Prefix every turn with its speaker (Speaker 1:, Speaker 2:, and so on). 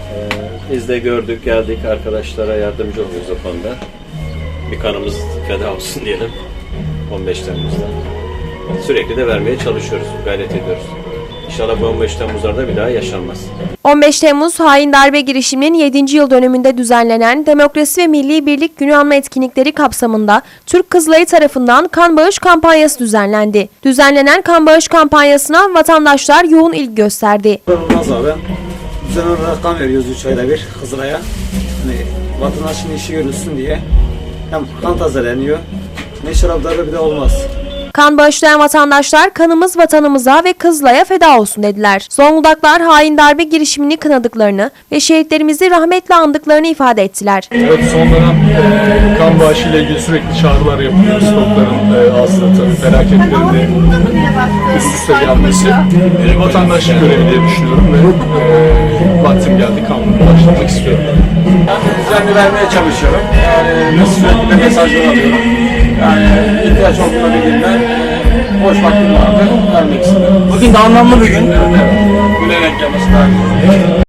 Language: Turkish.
Speaker 1: Biz de gördük, geldik, arkadaşlara yardımcı oluyoruz o konuda. Bir kanımız feda olsun diyelim 15 Temmuz'da. Sürekli de vermeye çalışıyoruz, gayret ediyoruz. İnşallah bu 15 Temmuz'larda bir daha yaşanmaz.
Speaker 2: 15 Temmuz hain darbe girişiminin 7. yıl dönümünde düzenlenen Demokrasi ve Milli Birlik Günü anma etkinlikleri kapsamında Türk Kızılayı tarafından kan bağış kampanyası düzenlendi. Düzenlenen kan bağış kampanyasına vatandaşlar yoğun ilgi gösterdi.
Speaker 3: Olmaz abi. Düzenli olarak kan veriyoruz 3 ayda bir Kızılay'a. Hani vatandaşın işi görülsün diye. Hem kan tazeleniyor. Ne şaraplarda bir de olmaz.
Speaker 2: Kan bağışlayan vatandaşlar kanımız vatanımıza ve Kızılay'a feda olsun dediler. Zonguldaklar hain darbe girişimini kınadıklarını ve şehitlerimizi rahmetle andıklarını ifade ettiler.
Speaker 4: Evet, son dönem kan bağışı ile ilgili sürekli çağrılar yapıyoruz. Stokların aslında tabii felaketlerinde üst üste gelmesi vatandaşlık görevi diye düşünüyorum ve vaktim geldi kanunu başlamak istiyorum.
Speaker 3: Ben düzenli vermeye çalışıyorum. Yani sürekli de mesajlar alıyorum. Yani ihtiyaç olduğunda bildiğimde boş vaktim vardı. Vermek istiyorum. Bugün de anlamlı bir gün. Evet. Güle denk gelmesi daha güzel.